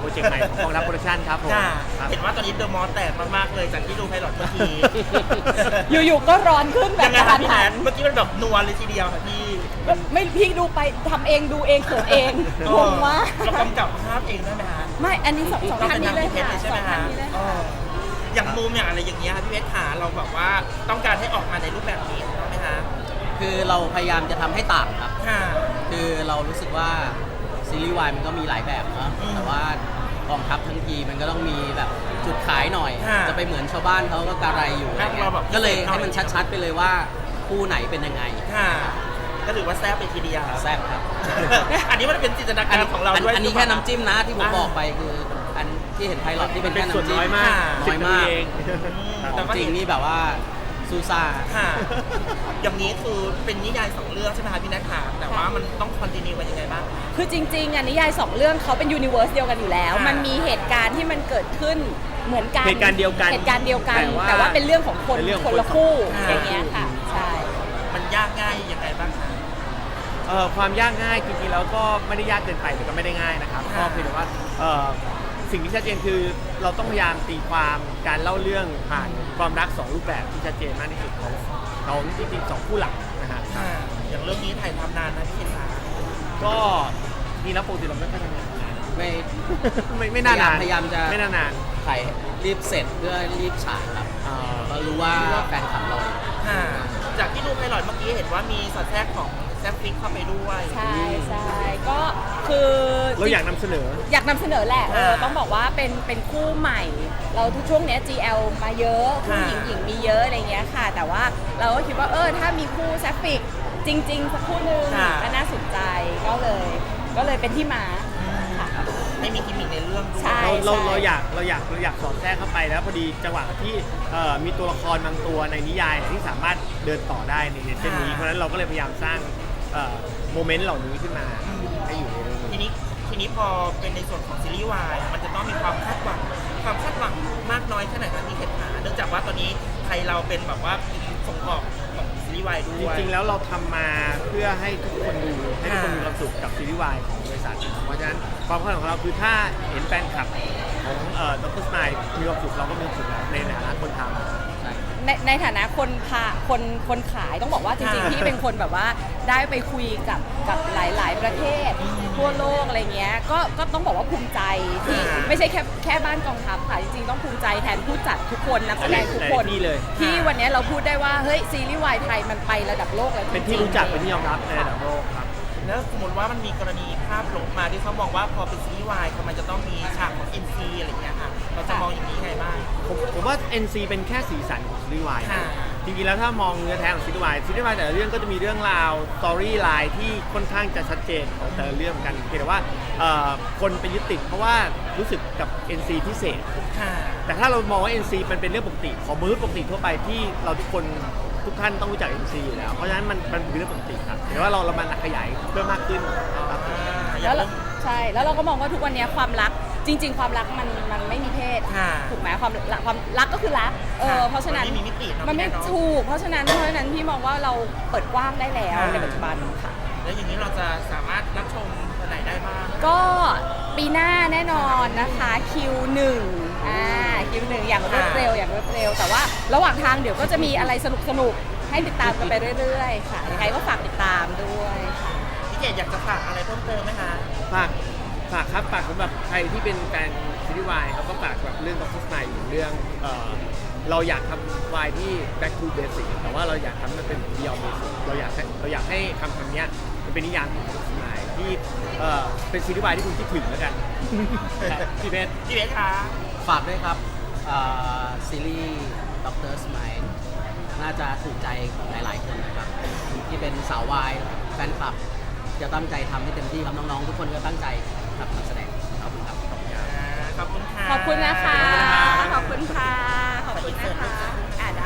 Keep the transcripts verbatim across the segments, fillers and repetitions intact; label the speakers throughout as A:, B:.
A: รเจกต์ใหม่ของกองทัพโปรดักชั่นครับผม
B: ค่ะ
A: ครับ
B: เห็นว่าตอนนี้เดอะมอลล์แตกมากๆเลยจากที่ดูไพลอตเมื่อกี้
C: อยู่ๆก็ร้อนขึ้นแบ
B: ยั
C: บ
B: งไง
C: กระ
B: คะ
C: ทัน
B: พี่แน
C: หั
B: น
C: น
B: เมื่อกี้มันแบบนัวเลยทีเดียวค่ะพี่
C: ไม่พี่ดูไปทำเองดูเองเขินเองงงมาก
B: เรากำกับภาพเองได้ไหมคะ
C: ไม่อันนี้สองสอง
B: เรา
C: ท่าน
B: เป็น
C: นี้
B: ทาง
C: เลย
B: พี่เพช
C: ค่ะ
B: รเลยใช่
C: ส
B: ไหม
C: องท่า
B: คะ
C: นนี้เลย
B: เอ
C: ค่ะ
B: ออย่างมุมอย่างอะไรอย่างเงี้ยค่ะพี่เพชรขาเราแบบว่าต้องการให้ออกมาในรูปแบบนี้ถูกไหมคะ
D: คือเราพยายามจะทำให้ต่างครับ
B: ค่ะ
D: คือเรารู้สึกว่าซีรีส์วายมันก็มีหลายแบบเนาะ
B: อืม
D: แต่ว่ากองทัพทั้งทีมันก็ต้องมีแบบจุดขายหน่อย
B: ค่ะ
D: จะไปเหมือนชาวบ้านเขาก็กระไรอยู่อะไร
B: ให้
D: เงี้
B: เรา
D: ย
B: แบบ
D: ก็เลย
B: พิเศษหน่อย
D: ให้มันชัดๆไปเลยว่าคู่ไหนเป็นยังไง
B: ค่ะก็ถือว่าแซ่บไปทีเดียว
D: แซ่บครับ
B: อันนี้มันเป็นจินตนา
D: อั
B: การของเราด้วย
D: อันนี้แค่น้ำจิ้มนะที่ผม
B: อ่า
D: บอกไปคืออันที่เห็นไพลอตที่เป็น
A: เป็
D: แค่
A: น
D: น้ำ
A: ส่วน
D: จิ้ม
A: น้อยมาก
D: น้อยมาก
A: เอง
D: ข
B: แต่
D: อง
B: ว่า
D: จริง
B: เห็น
D: นี่แบบว่าซูซ่า
B: ค่ะ อย่างนี้คือเป็นนิยายสองเรื่องใช่ไหมคะพี่นัทค่ะแต่ว่ามันต้องคอนติเนียกันยังไงบ้าง
C: คือจริงๆอันนิยายสองเรื่องเขาเป็นยูนิเวอร์สเดียวกันอยู่แล้ว
B: ค่ะ
C: มันมีเหตุการณ์ที่มันเกิดขึ้นเหมือนกัน
A: เหตุการณ์เดียวกัน
C: เหตุการณ์เดียวกัน
A: แต่ว่า
C: แต่ว่าเป็นเรื่องของคน
A: เป็นเรื่องข
C: ค
A: อง
C: น
A: คน
C: ละคู่
B: ค่ะ
C: อย่างเงี้ยค่ะใช่
B: มันยากง่ายยังไงบ้างคะ
A: เอ่อความยากง่ายจริงๆแล้วก็ไม่ได้ยากเกินไปแต่ก็ไม่ได้ง่ายนะครับก็
B: ค่ะ
A: เพียงแต่ว่าเอ่อสิ่งที่ชัดเจนคือเราต้องพยายามตีความการเล่าเรื่องผ่านความรักสองรูปแบบที่ชัดเจนมากที่สุดของของจริงๆสองคู่หลักนะฮะ
B: ค่ะอย่างเรื่องนี้ถ่ายทำนานนะพี่เคนคะ
A: ก็จริงแล้วปกติเราไม่ค่อยทำงาน
D: ไม่
A: ไม่ไม่นานาน
D: พยายามจะ
A: ไม่นานาน
D: ถ่ายรีบเสร็จเพื่อรีบฉายครับ
A: เอ่อ
D: เรารู้ว่าแฟนคลับเรา
B: ค่ะจากที่ดูไพลอตเมื่อกี้เห็นว่ามีสอดแทรกของแซฟฟิกเข้าไปด้วย
C: ใช่ใช่ก็คือ
A: เราอยากนำเสนอ
C: อยากนำเสนอแหละเออ
B: ค่ะ
C: ต้องบอกว่าเป็นเป็นคู่ใหม่ เราทุกช่วงเนี้ย จี แอล มาเยอะคู่หญิง
B: ค่ะ
C: หญิงมีเยอะอะไรเงี้ยค่ะ แต่ว่าเราก็คิดว่าเออถ้ามีคู่แซฟฟิกจริง ๆ สักคู่หนึง
B: ค่ะ
C: ก็น่าสนใจก็เลย ก็เลยเป็นที่มาค่ะ
B: ไม่มีกิมมิคในเรื่องด้วย
C: ใช่
A: เราเราเราอยากเราอยากเราอยากสอดแทรกเข้าไปแล้วพอดีจังหวะที่เอ่อมีตัวละครบางตัวในนิยายที่สามารถเดินต่อได้ในในเส้นนี้
B: ค่ะ
A: เพราะฉะนั้นเราก็เลยพยายามสร้างเอ่อโมเมนต์เหล่านี้ขึ้นมาให้อยู่ในเรื่อง
B: ที
A: นี้
B: นี้ทีนี้พอเป็นในส่วนของซีรีส์วายมันจะต้องมีความคาดหวังความคาดหวังมากน้อยแค่ไหนคะพี่เคนขาเนื่องจากว่าตอนนี้ไทยเราเป็นแบบว่าส่งออกของซีรีส์วายด้
A: จ
B: วย
A: ริงๆแล้วเราทำมาเพื่อให้ทุกคนดูให้ทุกคนมีความสุขกับซีรีส์วายของบริษัทเพราะฉะนั้นความคาดหวังของเราคือถ้าเห็นแฟนคลับของเอ่อดรสไนด์มีความสุขเราก็มีความสุขแล้วในฐานะคนทำ
D: ใช่
C: ในในฐานะคนพาคนคนขายต้องบอกว่าจริงๆ
B: ค่ะ
C: พี่เป็นคนแบบว่าได้ไปคุยกับกับหลาย ๆ ประเทศทั่วโลกอะไรเงี้ยก็ก็ต้องบอกว่าภูมิใจที่
B: ค่ะ
C: ไม่ใช่แค่แค่บ้านกองทัพค่ะจริงๆต้องภูมิใจแทนผู้จัดทุกคนนักแสดงทุกคน
A: หลายที่เลย
C: ที่วันนี้เราพูดได้ว่าเฮ้ยซีรีส์วายไทยมันไประดับโลกแล้ว
A: เป็นที่รู้จักเป็นที่ยอมรับในระดับโลกครับ
B: แล้วสมมติว่ามันมีกรณีภาพหลงมาที่เขามองว่าพอเป็นซีรีส์วายมันจะต้องมีฉากของ เอ็น ซี อะไรอย่างเงี้ยค่ะเราจะมองอย่างนี้ไงบ้าง
A: ผมผมว่า เอ็น ซี เป็นแค่สีสันของซีรีส์วาย
B: ค่ะ
A: จริงๆแล้วถ้ามองเนื้อแท้ของซีรีส์วายซีรีส์วายแต่ละเรื่องก็จะมีเรื่องราวสตอรี่ไลน์ที่ค่อนข้างจะชัดเจนของแต่ละเรื่องเหมือนกันเพียงแต่ว่าเอ่อคนไปยึดติดเพราะว่ารู้สึกกับ เอ็น ซี พิเศษ
B: ค่ะ
A: แต่ถ้าเรามองว่า เอ็น ซี มันเป็นเรื่องปกติของมนุษย์ปกติทั่วไปที่เราทุกคนทุกท่านต้องรู้จัก เอ็น ซี อยู่แล้ว เพราะฉะนั้นมันมันเป็นเรื่องปกติครับแต่ว่าเราเรามันขยายเพิ่มมากขึ้นครับ
C: แล้วเราใช่แล้วเราก็มองว่าทุกวันนี้ความรักจริง ๆ ความรักมันมันไม่มีเพศ
B: ค่ะ
C: ถูกไหมความรักความรักก็คือรักเออเพราะฉะนั้น
B: มันไม่มีมิติเนอะ
C: มันไม่
B: พี่แนนเนอะ
C: ถูกเพราะฉะนั้นเพราะฉะนั้นพี่มองว่าเราเปิดกว้างได้แล้ว
B: ค่ะ
C: ในปัจจุบันค่ะ
B: แล้วอย่างนี้เราจะสามารถรับชมวันไหนได้บ้าง
C: ก็ปีหน้าแน่นอนนะคะคิวหนึ่งอ่าคิวหนึ่งอย่างรวดเร็วอย่างรวดเร็ว แต่ว่าระหว่างทางเดี๋ยวก็จะมีอะไรสนุกสนุกๆให้ติดตามกันไปเรื่อยๆค่ะยังไงก็ฝากติดตามด้วยค่ะ
B: พี่เกดอยากจะฝากอะไรเพิ่มเติมไหมคะ
A: ฝากฝากครับฝากสำหรับใครที่เป็นแฟนซีรีส์วายเขาก็ฝากแบบเรื่องของโฆษณาอยู่เรื่องเอ่อเราอยากทำวายที่ back to basic แต่ว่าเราอยากทำมันเป็น beyond basic เราอยากให้เราอยากให้คำคำนี้มันเป็นนิยามของโฆษณาที่เอ่อเป็นซีรีส์วายที่คุณคิดถึงแล้วกัน พี่เพชร
B: พี่เบสคะ
D: ฝากด้วยครับอ่าซีรีส์ด็อกเตอร์สไมล์น่าจะถูกใจของหลายๆคนนะครับ ที่เป็นสาววายแฟนคลับ จะตั้งใจทำให้เต็มที่ครับน้องๆ ทุกคนก็ตั้งใจครับนักแสดงขอบคุณครับ
B: อ่าขอบคุณค่ะ
C: ขอบคุณนะคะ ขอบคุณค่ะ ขอบคุณนะคะ อ่าได้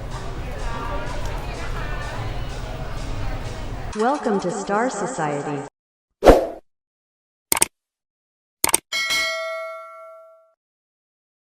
E: Welcome to Star Society.